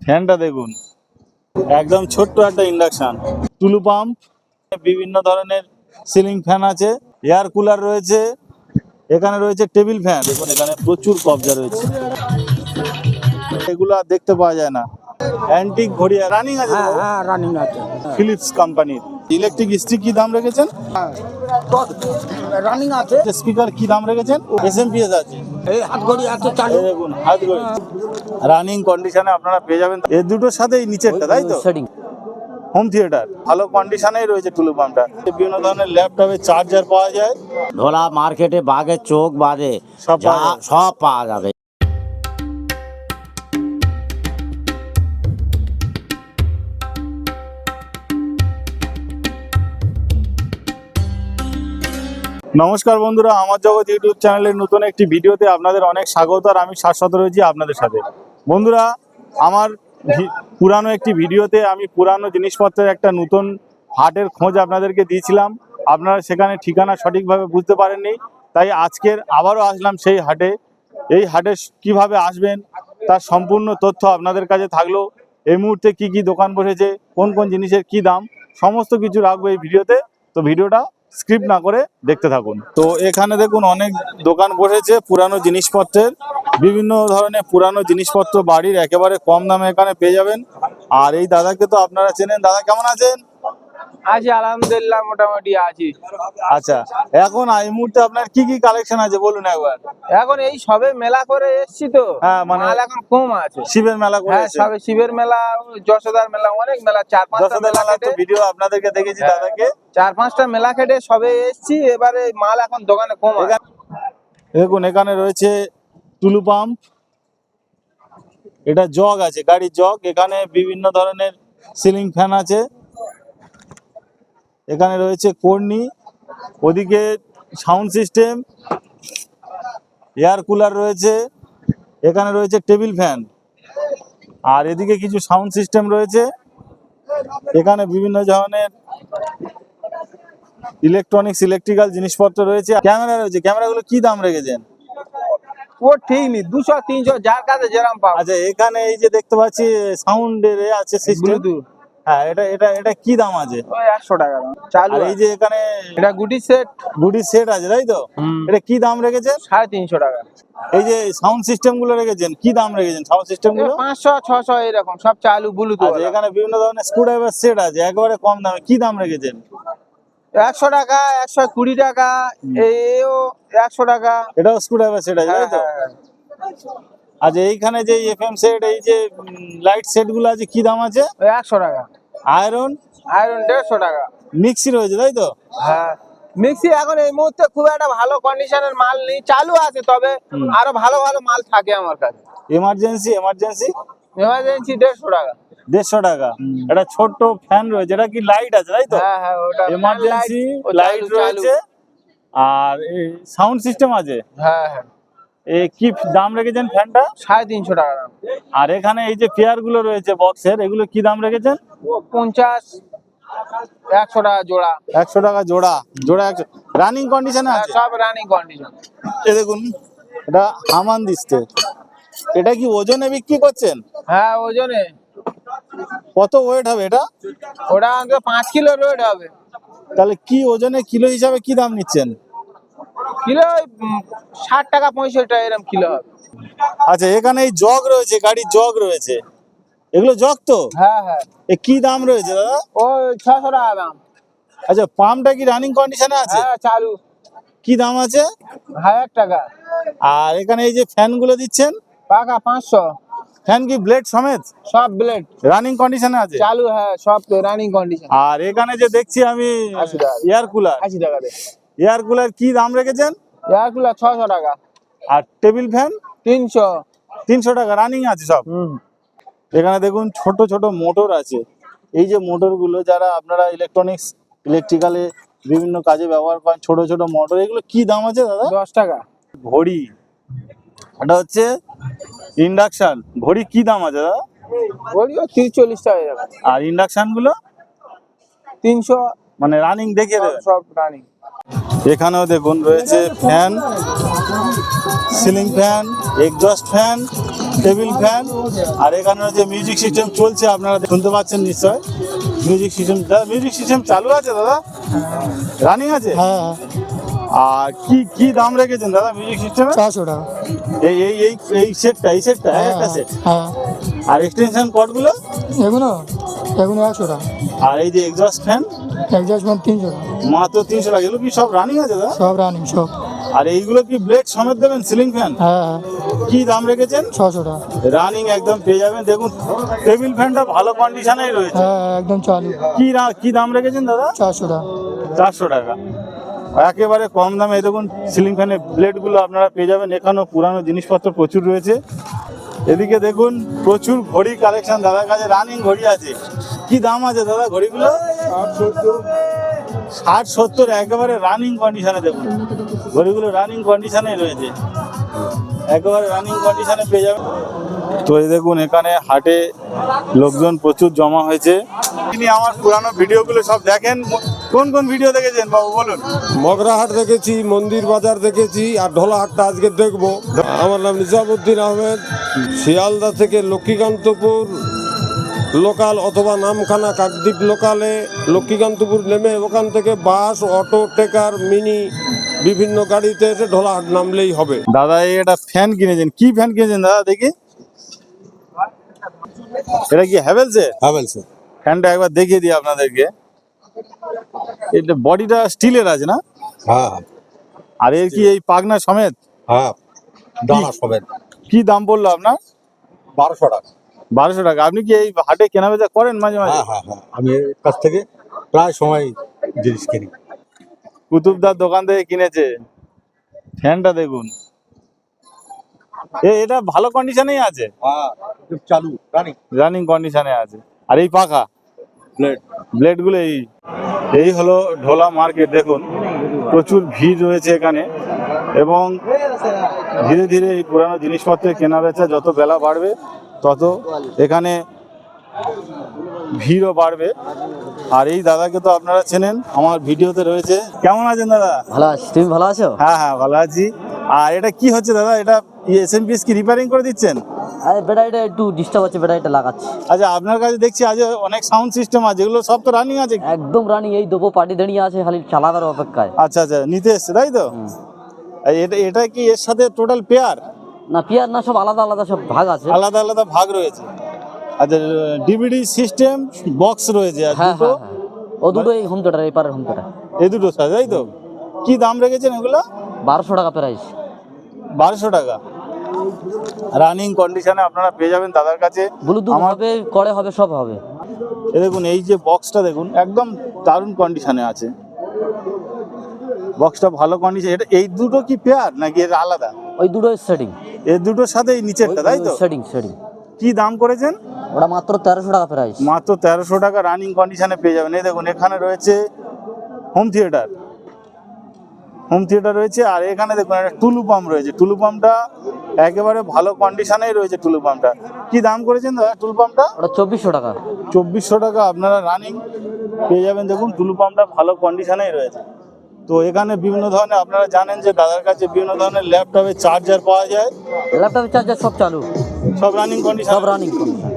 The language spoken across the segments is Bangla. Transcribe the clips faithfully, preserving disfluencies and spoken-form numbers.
ফ্যানটা দেখুন, একদম ছোট্ট একটা ইন্ডাকশন। টুলু পাম্প, বিভিন্ন ধরনের সিলিং ফ্যান আছে, এয়ার কুলার রয়েছে, এখানে রয়েছে টেবিল ফ্যান। দেখুন এখানে প্রচুর কবজা রয়েছে, এগুলো আর দেখতে পাওয়া যায় না। অ্যান্টিক ঘড়ি রানিং আছে, হ্যাঁ হ্যাঁ রানিং আছে। ফিলিপস কোম্পানির। ইলেকট্রিক স্টিক কি দাম রেখেছেন? রানিং আছে। স্পিকার কি দাম রেখেছেন? এসএমপিএস আছে, এই হাত ঘড়ি আছে চালু। এই দেখুন হাত ঘড়ি রানিং কন্ডিশনে আপনারা পেয়ে যাবেন। এর দুটোর সাথে এই নিচেরটা, তাই তো? সেটিং হোম থিয়েটার ভালো কন্ডিশনেই রয়েছে টুলু পাম্পটা। বিভিন্ন ধরনের ল্যাপটপে চার্জার পাওয়া যায়, ধোলা মার্কেটে বাঘের চোখ বাদে সব যা পাওয়া যায়। সব পাওয়া যাবে। নমস্কার বন্ধুরা, আমার জগৎ ইউটিউব চ্যানেলের নতুন একটি ভিডিওতে আপনাদের অনেক স্বাগত। আর আমি শাশ্বত রয়েছি আপনাদের সাথে। বন্ধুরা, আমার ভি- পুরানো একটি ভিডিওতে আমি পুরানো জিনিসপত্রের একটা নতুন হাটের খোঁজ আপনাদেরকে দিয়েছিলাম। আপনারা সেখানে ঠিকানা সঠিকভাবে বুঝতে পারেননি, তাই আজকের আবারও আসলাম সেই হাটে। এই হাটে কিভাবে আসবেন তার সম্পূর্ণ তথ্য আপনাদের কাছে থাকলো। এই মুহূর্তে কি কি দোকান বসেছে, কোন কোন জিনিসের কি দাম, সমস্ত কিছু রাখবো এই ভিডিওতে। তো ভিডিওটা স্ক্রিপ্ট না করে দেখতে থাকুন। তো এখানে দেখুন অনেক দোকান বসেছে পুরানো জিনিসপত্রের, বিভিন্ন ধরনের পুরানো জিনিসপত্র বাড়ির একেবারে কম দামে এখানে পেয়ে যাবেন। আর এই দাদাকে তো আপনারা চেনেন। দাদা কেমন আছেন? আছি আলহামদুলিল্লাহ, মোটামুটি আছি। আচ্ছা, এখন এই মুহূর্তে আপনার কি কি কালেকশন আছে বলুন একবার। এখন এই সবে মেলা করে এসছি তো, হ্যাঁ, মানে মাল এখন কম আছে। শিবের মেলা হ্যাঁ, করেছে, সবে শিবের মেলা, যশোদার মেলা, অনেক মেলা, চার পাঁচটা যশোদা মেলা মেলা তো কেটে ভিডিও আপনাদেরকে দেখেছি হ্যাঁ। দাদাকে। চার পাঁচটা মেলা কেটে সবে এসছি, এবারে মাল এখন দোকানে কম আছে। এখানে- দেখুন এখানে রয়েছে টুলু পাম্প, এটা জগ আছে, গাড়ির জগ। এখানে বিভিন্ন ধরনের সিলিং ফ্যান আছে, এখানে রয়েছে কর্নি, ওদিকে সাউন্ড সিস্টেম, এয়ার কুলার রয়েছে, এখানে রয়েছে টেবিল ফ্যান, আর এদিকে কিছু সাউন্ড সিস্টেম রয়েছে। এখানে বিভিন্ন ধরনের ইলেকট্রনিক্স ইলেকট্রিক্যাল জিনিসপত্র রয়েছে। ক্যামেরা রয়েছে, ক্যামেরাগুলো কি দাম রেখেছেন? ও ঠিক নেই, দুশো তিনশো যার কাছে যেরকম পাবো। আচ্ছা, এখানে এই যে দেখতে পাচ্ছি সাউন্ডের আছে সিস্টেম, ব্লুটুথ হ্যাঁ, এটা এটা এটা কি দাম আছে? ওই একশো টাকা দাম। চালু আর এই আছে। যে এখানে এটা গুটি সেট গুডি সেট আছে, তাই তো? এটা কি দাম রেখেছেন? সাড়ে তিনশো টাকা। এই যে সাউন্ড সিস্টেম গুলো রেখেছেন, কি দাম রেখেছেন সাউন্ড সিস্টেম গুলো? পাঁচশো ছশো এরকম সব চালু ব্লুটুথ। আচ্ছা, এখানে বিভিন্ন ধরনের স্ক্রুড্রাইভার সেট আছে একেবারে কম দামে, কি দাম রেখেছেন? একশো টাকা, একশো কুড়ি টাকা, এও একশো টাকা। এটাও স্ক্রুড্রাইভার সেট আছে, তাই তো? হ্যাঁ, আচ্ছা, এইখানে যে এফএম সেট, এই যে লাইট সেট গুলো আছে, কি দাম আছে? ওই একশো টাকা। আয়রন আয়রন দেড়শো টাকা। মিক্সি রয়েছে, তাই তো? হ্যাঁ, মিক্সি এখন এই মুহূর্তে খুব একটা ভালো কন্ডিশনের মাল নেই, চালু আছে, তবে হুম। আরো ভালো ভালো মাল থাকে আমার কাছে। এমার্জেন্সি এমার্জেন্সি এমার্জেন্সি দেড়শো টাকা। দেড়শো টাকা। এটা ছোট্ট ফ্যান রয়েছে, এটা কি লাইট আছে, তাই তো? হ্যাঁ হ্যাঁ, ওটা এমার্জেন্সি ও চালু, লাইট চালু। রয়েছে, আর সাউন্ড সিস্টেম আছে। হ্যাঁ হ্যাঁ, এ কি দাম রেখেছেন ফ্যানটা? সাড়ে তিনশো টাকা দাম। আর এখানে এই যে পেয়ার গুলো রয়েছে বক্সের, এগুলো কি দাম রেখেছেন? ও পঞ্চাশ, একশো টাকা জোড়া। একশো টাকা জোড়া। জোড়া একশো, রানিং কন্ডিশনে হ্যাঁ, আছে। সব রানিং কন্ডিশন। এ দেখুন, এটা হামান দিচ্ছে। এটা কি ওজনে বিক্রি করছেন? হ্যাঁ, ওজনে কত ওয়েট হবে এটা? ওটা অন্তত পাঁচ কিলো রোড হবে। তাহলে কি ওজনে কিলো হিসাবে কি দাম নিচ্ছেন? কিলো ওই, উম, ষাট টাকা পঁয়ষট্টি টাকা এরকম কিলো হবে। আচ্ছা, এখানে এই জগ রয়েছে, গাড়ির জগ রয়েছে, এগুলো জগ তো? হ্যাঁ হ্যাঁ, এ কি দাম রয়েছে দাদা? ওই ছশো টাকা দাম। আচ্ছা, পাম্পটা কি রানিং কন্ডিশনে আছে? হ্যাঁ, চালু। কি দাম আছে? হাজার টাকা। আর এখানে এই যে ফ্যান গুলো দিচ্ছেন, পাকা পাঁচশো। ফ্যান কি ব্লেড সমেত সব ব্লেড রানিং কন্ডিশনে আছে? চালু, হ্যাঁ, সব তো রানিং কন্ডিশন। আর এখানে যে দেখছি আমি আশি টাকা। এয়ার কুলার, আশি টাকা দে। এয়ার কুলার কি দাম রেখেছেন? এয়ার কুলার ছশো টাকা। আর টেবিল ফ্যান তিনশো। তিনশো টাকা, রানিং আছে সব। হুম। এখানে দেখুন ছোট ছোট মোটর আছে। এই যে মোটর গুলো যারা আপনারা ইলেকট্রনিক্স ইলেকট্রিক্যালে বিভিন্ন কাজে ব্যবহার করেন, ছোট ছোট মোটর, এগুলো কি দাম আছে দাদা? দশ টাকা। ঘড়ি, এটা হচ্ছে ইন্ডাকশন ঘড়ি, কি দাম আছে দাদা? ওইও তিরিশ চল্লিশ টাকা এরকম। আর ইন্ডাকশন গুলো তিনশো, মানে রানিং দেখিয়ে দেবেন। সব রানিং। এখানেও দেখুন রয়েছে fan, ceiling fan, exhaust fan, table fan, আর এখানে হচ্ছে মিউজিক সিস্টেম চলছে, আপনারা শুনতে পাচ্ছেন নিশ্চয়। মিউজিক সিস্টেম, দাদা মিউজিক সিস্টেম চালু আছে দাদা, রানিং আছে? হ্যাঁ আর কি কি দাম রেখেছেন দাদা মিউজিক সিস্টেমে? চারশো টাকা। এই এই এই এই সেটটা, এই সেটটা একটা সেট, হ্যাঁ আর এক্সটেনশন কর্ডগুলো এগুলো এগুলো একশো টাকা। আর এই যে এক্সস্ট ফ্যান অ্যাডজাস্টমেন্ট তিনশো টাকা। মাত্র তিনশো টাকা। এগুলো কি সব রানিং আছে দাদা? সব রানিং সব। আর এইগুলো কি ব্লেড সমেত দেবেন সিলিং ফ্যান? হ্যাঁ হ্যাঁ কি দাম রেখেছেন? ছশো টাকা। রানিং একদম পেয়ে যাবেন। দেখুন টেবিল ফ্যানটা ভালো কন্ডিশনেই রয়েছে। হ্যাঁ একদম চালু। কি রা- কি দাম রেখেছেন দাদা? চারশো টাকা। চারশো টাকা, একেবারে কম দামে। এই দেখুন সিলিং ফ্যানের ব্লেডগুলো আপনারা পেয়ে যাবেন। এখানেও পুরানো জিনিসপত্র প্রচুর রয়েছে। এদিকে দেখুন প্রচুর ঘড়ি কালেকশন দাদার কাছে, রানিং ঘড়ি আছে। কি দাম আছে দাদা ঘড়িগুলো? ষাট সত্তর, একেবারে রানিং কন্ডিশনে। দেখুন ঘড়িগুলো রানিং কন্ডিশনে রয়েছে, একেবারে রানিং কন্ডিশনে পেয়ে যাবেন। তো এই দেখুন এখানে হাটে লোকজন প্রচুর জমা হয়েছে। তিনি আমার পুরানো ভিডিওগুলো সব দেখেন। কোন কোন ভিডিও দেখেছেন বাবু বলুন? মগরাহাট দেখেছি, মন্দির বাজার দেখেছি, আর ঢোলাহাটটা আজকে দেখবো। আমার নাম নিজামুদ্দিন আহমেদ, শিয়ালদা থেকে লক্ষ্মীকান্তপুর লোকাল অথবা নামখানা কাকদ্বীপ লোকালে লক্ষ্মীকান্তপুর নেমে ওখান থেকে বাস, অটো, টেকার, মিনি বিভিন্ন গাড়িতে এসে ঢোলাহাট নামলেই হবে। দাদা এই একটা ফ্যান কিনেছেন, কি ফ্যান কিনেছেন দাদা দেখি? এটা কি হ্যাভেলসের? হ্যাভেলস। ফ্যানটা একবার দেখিয়ে দিই আপনাদেরকে। এটা বডিটা স্টিলের আছে না? হ্যাঁ আর এর কি এই পাগনা সমেত? হ্যাঁ, দানা সমেত। কি দাম পড়লো আপনার? বারোশো টাকা। বারোশো টাকা। আপনি কি এই হাটে কেনা বেচা করেন মাঝে মাঝে? হ্যাঁ হ্যাঁ, আমি এর কাছ থেকে প্রায় সময় জিনিস কিনি। কুতুবদার দোকান থেকে কিনেছে। ফ্যানটা দেখুন, এ এটা ভালো কন্ডিশনেই আছে, হ্যাঁ চালু, রানিং রানিং কন্ডিশনে আছে। আর এই পাখা প্লেট। ব্লেড গুলো এই এই হলো ঢোলা মার্কেট। দেখুন প্রচুর ভিড় রয়েছে এখানে, এবং ধীরে ধীরে এই পুরানো জিনিসপত্রের কেনা বেচা যত বেলা বাড়বে তত এখানে ভিড়ও বাড়বে। আর এই দাদাকে তো আপনারা চেনেন, আমার ভিডিওতে রয়েছে। কেমন আছেন দাদা? ভালো আছি, তুমি ভালো আছো? হ্যাঁ হ্যাঁ ভালো আছি। আর এটা কি হচ্ছে দাদা? এটা এস এম পিএস কি রিপেয়ারিং করে দিচ্ছেন? আরে ব্যাটারিটা একটু ডিস্টার্ব হচ্ছে, ব্যাটারিটা লাগাচ্ছি। আচ্ছা, আপনার কাছে দেখছি আজ অনেক সাউন্ড সিস্টেম আছে, এগুলো সব তো রানিং আছে? একদম রানিং, এই দেবো পার্টি দাঁড়িয়ে আছে, খালি চালাবার অপেক্ষায়। আচ্ছা আচ্ছা, নিতে এসছে তাই তো? হুম। আর এটা এটা কি এর সাথে টোটাল পেয়ার? না পিয়ার না, সব আলাদা আলাদা সব ভাগ আছে। আলাদা আলাদা ভাগ রয়েছে। আচ্ছা, ডিভিডি সিস্টেম বক্স রয়েছে আর হ্যাঁ দুটো, হ্যাঁ হ্যাঁ, ও দুটো এই হোম থিয়েটার, এই পারের হোম থিয়েটার। এই দুটো সাথে তাই তো? কি দাম রেখেছেন এগুলো? বারোশো টাকা প্রাইস। বারোশো টাকা। রানিং কন্ডিশনে আপনারা পেয়ে যাবেন দাদার কাছে। ব্লুটুথ আমার হবে, করে হবে, সব হবে। এই দেখুন এই যে বক্সটা দেখুন, একদম দারুণ কন্ডিশনে আছে। বক্সটা ভালো কন্ডিশন। এটা এই দুটো কি পেয়ার নাকি এর আলাদা? ওই দুটো সেটিং, এই দুটোর সাথে এই নিচেরটা তাই তো? Setting setting. কি দাম করেছেন? ওটা মাত্র তেরোশো টাকা প্রাইস। মাত্র তেরোশো টাকা রানিং কন্ডিশনে পেয়ে যাবেন। এই দেখুন এখানে রয়েছে হোম থিয়েটার, হোম থিয়েটার রয়েছে। আর এখানে দেখুন একটা টুলু পাম্প রয়েছে। টুলু পাম্পটা একেবারে ভালো কন্ডিশনেই রয়েছে। টুলু পাম্পটা কি দাম করেছেন দাদা? টুলু পাম্পটা ওটা চব্বিশশো টাকা। চব্বিশশো টাকা আপনারা রানিং পেয়ে যাবেন। দেখুন টুলু পাম্পটা ভালো কন্ডিশনেই রয়েছে। তো এখানে বিভিন্ন ধরনের, আপনারা জানেন যে দাদার কাছে বিভিন্ন ধরনের ল্যাপটপের চার্জার পাওয়া যায়। ল্যাপটপের চার্জার সব চালু, সব রানিং কন্ডিশন, সব রানিং কন্ডিশন।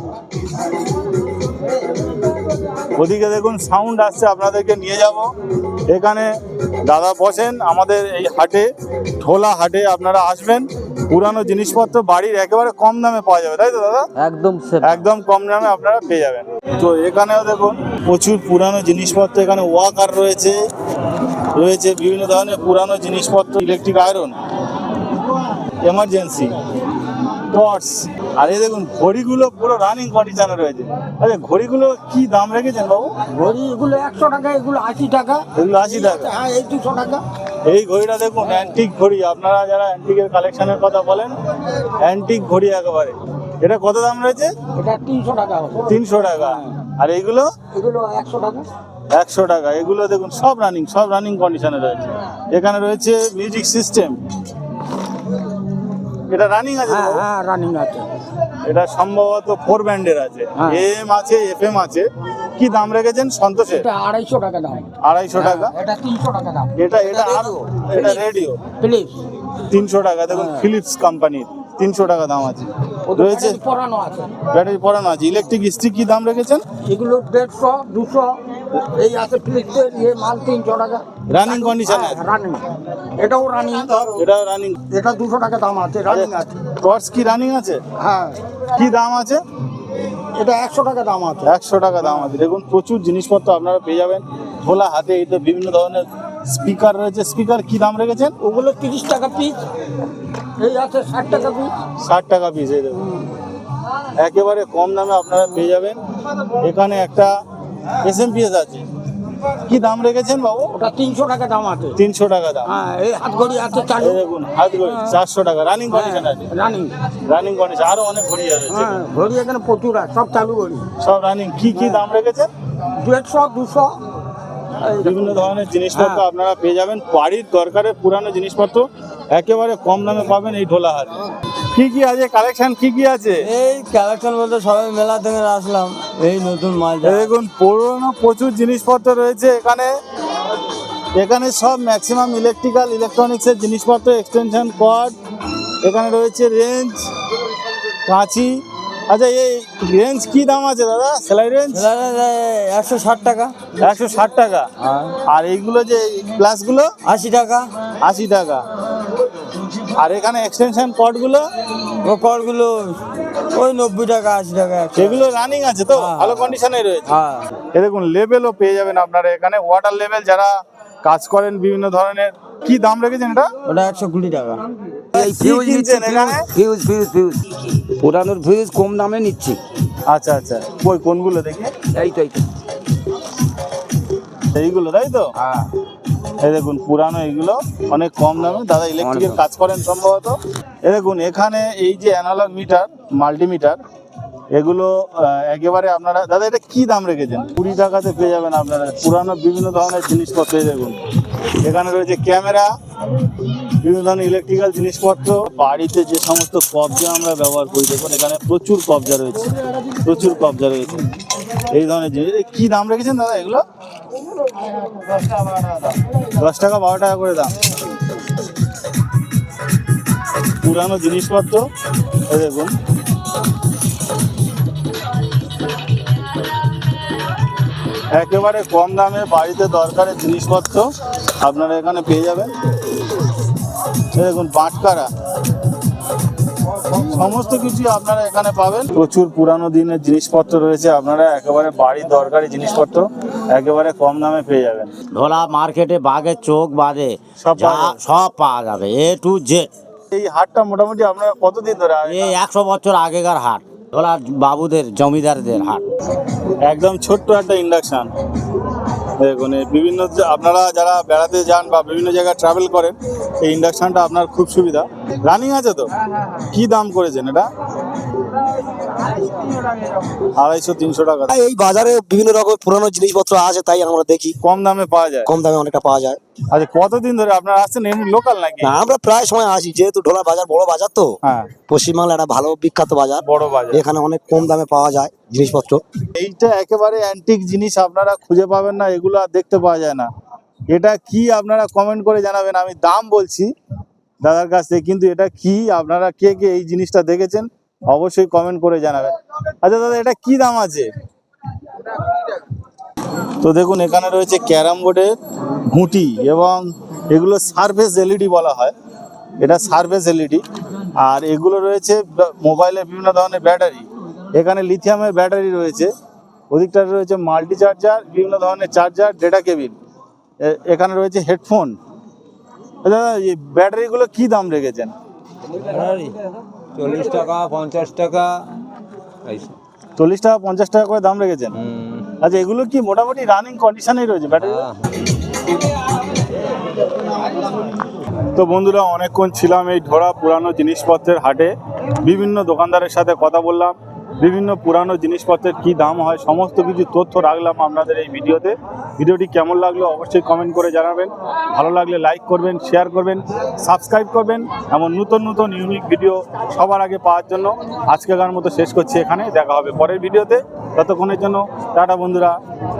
ওদিকে দেখুন সাউন্ড আসছে, আপনাদেরকে নিয়ে যাব। এখানে দাদা বসেন আমাদের এই হাটে, ঢোলা হাটে। আপনারা আসবেন, পুরানো জিনিসপত্র বাড়ির একেবারে কম দামে পাওয়া যাবে তাই তো দাদা? একদম সেফ। একদম কম দামে আপনারা পেয়ে যাবেন। তো এখানেও দেখুন প্রচুর পুরানো জিনিসপত্র। এখানে ওয়াকার রয়েছে, রয়েছে বিভিন্ন ধরনের পুরানো জিনিসপত্র, ইলেকট্রিক আয়রন, এমার্জেন্সি টর্চ। আর এই দেখুন ঘড়িগুলো পুরো রানিং কন্ডিশনে রয়েছে। আচ্ছা, ঘড়িগুলো কি দাম রেখেছেন বাবু? ঘড়ি এগুলো একশো টাকা, এগুলো আশি টাকা। এগুলো আশি টাকা। হ্যাঁ এই দুশো টাকা। এই ঘড়িটা দেখুন অ্যান্টিক ঘড়ি। আপনারা যারা অ্যান্টিকের কালেকশনের কথা বলেন, অ্যান্টিক ঘড়ি একেবারে। এটা কত দাম রয়েছে? এটা তিনশো টাকা হবে। তিনশো টাকা। আর এইগুলো? এগুলো একশো টাকা। একশো টাকা। এগুলো দেখুন সব রানিং, সব রানিং কন্ডিশনে রয়েছে। এখানে রয়েছে মিউজিক সিস্টেম, এটা রানিং আছে তো? হ্যাঁ রানিং আছে। এটা সম্ভবত ফোর ব্যান্ডের আছে, হ্যাঁ। এম আছে, এফ এম আছে। কি দাম রেখেছেন সন্তোষের? এটা আড়াইশো টাকা দাম। আড়াইশো টাকা। এটা তিনশো টাকা দাম। এটা এটা আরো, এটা রেডিও প্লিজ। তিনশো টাকা। দেখুন ফিলিপস কোম্পানির তিনশো টাকা দাম আছে ওদের রয়েছে। ব্যাটারি পরানো আছে। ব্যাটারি পড়ানো আছে। ইলেকট্রিক স্টিক কি দাম রেখেছেন? এগুলো দেড়শো দুশো এই আছে ফিলিপসের ইয়ে মাল তিনশো টাকা রানিং কন্ডিশন আছে? রানিং, এটাও রানিং, এটা রানিং। এটা দুশো টাকা দাম আছে, রানিং আছে। টর্চ কি রানিং আছে? হ্যাঁ, কি দাম আছে? এটা একশো টাকা দাম আছে। একশো টাকা দাম আছে। দেখুন প্রচুর জিনিসপত্র আপনারা পেয়ে যাবেন খোলা হাতে। এই তো বিভিন্ন ধরনের স্পিকার রয়েছে। স্পিকার কি দাম রেখেছেন? ওগুলো তিরিশ টাকা পিস, এই আছে ষাট টাকা পিস। ষাট টাকা পিস। এই দেখুন একেবারে কম দামে আপনারা পেয়ে যাবেন। এখানে একটা এস এম পি এস আছে, কি দাম রেখেছেন বাবু? ওটা তিনশো টাকা দাম আছে। তিনশো টাকা দাম। হ্যাঁ, এই হাত ঘড়ি আছে চালু। এই দেখুন হাত ঘড়ি চারশো টাকা, রানিং কন্ডিশন আছে। Running, running condition. আরো অনেক ঘড়ি আছে, হ্যাঁ, ঘড়ি এখানে প্রচুর আছে, সব চালু ঘড়ি। সব রানিং। কি কি দাম রেখেছেন? দেড়শো দুশো বিভিন্ন ধরনের জিনিসপত্র হ্যাঁ। আপনারা পেয়ে যাবেন। বাড়ির দরকারের পুরানো জিনিসপত্র একেবারে কম দামে পাবেন এই ঢোলাহাটে। কি কি আছে কালেকশন? কি কি আছে? এই কালেকশন বলতে সবাই মেলা থেকে আসলাম, এই নতুন মাল এই দেখুন পুরনো প্রচুর জিনিসপত্র রয়েছে এখানে। এখানে সব ম্যাক্সিমাম ইলেকট্রিক্যাল ইলেকট্রনিক্সের জিনিসপত্র, এক্সটেনশন কর্ড, এখানে রয়েছে রেঞ্জ, কাঁচি। আচ্ছা এই রেঞ্জ কি দাম আছে দাদা? সেলাই রেঞ্জ একশো ষাট টাকা। একশো ষাট টাকা। আর এইগুলো যে প্লাসগুলো আশি টাকা। আশি টাকা। আর এখানে এক্সটেনশন কর্ডগুলো ও করগুলো ওই নব্বই টাকা আশি টাকা। সেগুলো রানিং আছে তো? হ্যাঁ। ভালো কন্ডিশনে রয়েছে। হ্যাঁ, এ দেখুন লেভেলও পেয়ে যাবেন আপনারা এখানে। ওয়াটার লেভেল যারা কাজ করেন বিভিন্ন ধরনের। কি দাম রেখেছেন এটা? ওটা একশো কুড়ি টাকা। এই কি কিনছেন এখানে? ফিউজ ফিউজ ফিউজ পুরানোর ফিউজ কম দামে নিচ্ছি। আচ্ছা আচ্ছা, ওই কোনগুলো দেখি? এই তো এই তো এইগুলো তাই তো? হ্যাঁ, এই দেখুন পুরানো এইগুলো অনেক কম দামে। দাদা ইলেকট্রিকের কাজ করেন সম্ভবত। এই দেখুন এখানে এই যে অ্যানালগ মিটার, মাল্টিমিটার, এগুলো আহ, একেবারে আপনারা দাদা এটা কি দাম রেখেছেন? কুড়ি টাকাতে পেয়ে যাবেন আপনারা পুরানো বিভিন্ন ধরনের জিনিসপত্র। এই দেখুন এখানে রয়েছে ক্যামেরা, বিভিন্ন ধরনের ইলেকট্রিক্যাল জিনিসপত্র। বাড়িতে যে সমস্ত কবজা আমরা ব্যবহার করি, দেখুন এখানে প্রচুর কবজা রয়েছে, প্রচুর কবজা রয়েছে এই ধরনের জিনিস। এ কি দাম রেখেছেন দাদা এগুলো? দশ টাকা বারো টাকা করে দাম। পুরানো জিনিসপত্র এই দেখুন। একেবারে কম দামে বাড়িতে দরকারের জিনিসপত্র আপনারা এখানে পেয়ে যাবেন। এই দেখুন বাটকারা, সমস্ত কিছু আপনারা এখানে পাবেন। প্রচুর পুরানো দিনের জিনিসপত্র রয়েছে। আপনারা একেবারে বাড়ির দরকারি জিনিসপত্র একেবারে কম দামে পেয়ে যাবেন। ঢোলা মার্কেটে বাঘের চোখ বাদে সব যা পাওয়া যাবে। সব পাওয়া যাবে, এ টু জেড। এই হাটটা মোটামুটি আপনারা কতদিন ধরে আগে? এই একশো বছর আগেকার হাট, ঢোলা বাবুদের জমিদারদের হাট। একদম ছোট্ট একটা ইন্ডাকশন। দেখুন এই বিভিন্ন যে- আপনারা যারা বেড়াতে যান বা বিভিন্ন জায়গায় ট্রাভেল করেন, এই ইন্ডাকশনটা আপনার খুব সুবিধা। রানিং আছে তো? কি দাম করেছেন এটা? আড়াইশো তিনশো টাকা। এই বাজারে বিভিন্ন রকম পুরানো জিনিসপত্র আছে, তাই আমরা দেখি কম দামে পাওয়া যায়। কম দামে অনেকটা পাওয়া যায়। আচ্ছা কতদিন ধরে আপনারা আসছেন? এমনি লোকাল নাকি? না, আমরা প্রায় সময় আসি, যেহেতু ঢোলা বাজার বড় বাজার তো, হ্যাঁ পশ্চিমবাংলা একটা ভালো বিখ্যাত বাজার। বড় বাজার। এখানে অনেক কম দামে পাওয়া যায় জিনিসপত্র। এইটা একেবারে অ্যান্টিক জিনিস, আপনারা খুঁজে পাবেন না, এগুলো আর দেখতে পাওয়া যায় না। এটা কি আপনারা কমেন্ট করে জানাবেন। আমি দাম বলছি দাদার কাছ থেকে, কিন্তু এটা কি আপনারা কে কে এই জিনিসটা দেখেছেন অবশ্যই কমেন্ট করে জানাবেন। আচ্ছা দাদা এটা কি দাম আছে? তো দেখুন এখানে রয়েছে ক্যারাম বোর্ডের ঘুঁটি, এবং এগুলো সারফেস এলইডি বলা হয়। এটা সারফেস এলইডি। আর এগুলো রয়েছে ব- মোবাইলের বিভিন্ন ধরনের ব্যাটারি। এখানে লিথিয়ামের ব্যাটারি রয়েছে, ওদিকটা রয়েছে মাল্টি চার্জার, বিভিন্ন ধরনের চার্জার, ডেটা কেবিল। এখানে রয়েছে হেডফোন। দাদা এই ব্যাটারিগুলো কি দাম রেখেছেন? চল্লিশ টাকা পঞ্চাশ টাকা। চল্লিশ টাকা পঞ্চাশ টাকা করে দাম রেখেছেন। আচ্ছা এগুলো কি মোটামুটি রানিং কন্ডিশনেই রয়েছে ব্যাটারি? তো বন্ধুরা অনেকক্ষণ ছিলাম এই ঢোড়া পুরানো জিনিসপত্রের হাটে। বিভিন্ন দোকানদারের সাথে কথা বললাম, বিভিন্ন পুরানো জিনিসপত্রের কি দাম হয় সমস্ত কিছু তথ্য রাখলাম আপনাদের এই ভিডিওতে। ভিডিওটি কেমন লাগলো অবশ্যই কমেন্ট করে জানাবেন। ভালো লাগলে লাইক করবেন, শেয়ার করবেন, সাবস্ক্রাইব করবেন। এমন নতুন নতুন ইউনিক ভিডিও সবার আগে পাওয়ার জন্য আজকেকার মতো শেষ করছি এখানে। দেখা হবে পরের ভিডিওতে। ততক্ষণের জন্য টাটা বন্ধুরা।